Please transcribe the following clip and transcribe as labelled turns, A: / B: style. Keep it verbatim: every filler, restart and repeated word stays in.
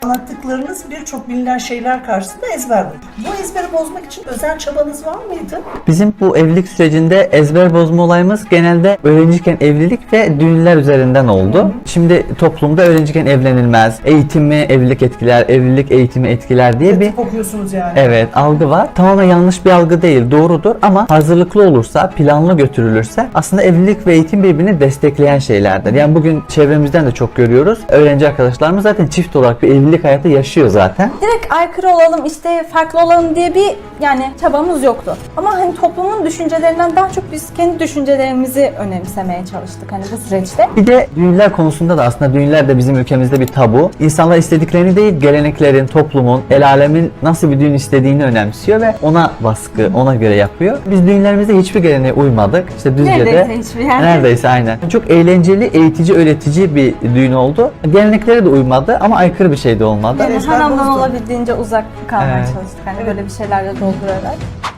A: Anlattıklarınız birçok bilinen şeyler karşısında ezber bu. Bu ezberi bozmak için özel çabanız var mıydı?
B: Bizim bu evlilik sürecinde ezber bozma olayımız genelde öğrenciyken evlilik ve düğünler üzerinden oldu. Hı. Şimdi toplumda öğrenciyken evlenilmez, eğitimi evlilik etkiler, evlilik eğitimi etkiler diye bir
A: Tıp okuyorsunuz yani.
B: evet algı var. Tamamen yanlış bir algı değil, doğrudur ama hazırlıklı olursa, planlı götürülürse aslında evlilik ve eğitim birbirini destekleyen şeylerdir. Yani bugün çevremizden de çok görüyoruz. Öğrenci arkadaşlarımız zaten çift olarak bir evlilik hayatı yaşıyor zaten.
C: Direkt aykırı olalım, işte farklı olalım diye bir yani çabamız yoktu. Ama hani toplumun düşüncelerinden daha çok biz kendi düşüncelerimizi önemsemeye çalıştık hani bu süreçte.
B: Bir de düğünler konusunda da aslında düğünler de bizim ülkemizde bir tabu. İnsanlar istediklerini değil, geleneklerin, toplumun, el alemin nasıl bir düğün istediğini önemsiyor ve ona baskı, ona göre yapıyor. Biz düğünlerimizde hiçbir geleneğe uymadık. İşte Düzce'de
C: Neredeyse hiçbir yani.
B: Neredeyse aynen. Çok eğlenceli, eğitici, öğretici bir düğün oldu. Geleneklere de uymadı ama aykırı bir şey de olmadı.
C: Yani
A: Ezber
C: haramdan
A: bozdu.
C: olabildiğince uzak kalmaya
B: Evet.
C: çalıştık. Hani böyle bir şeylerle doldurarak.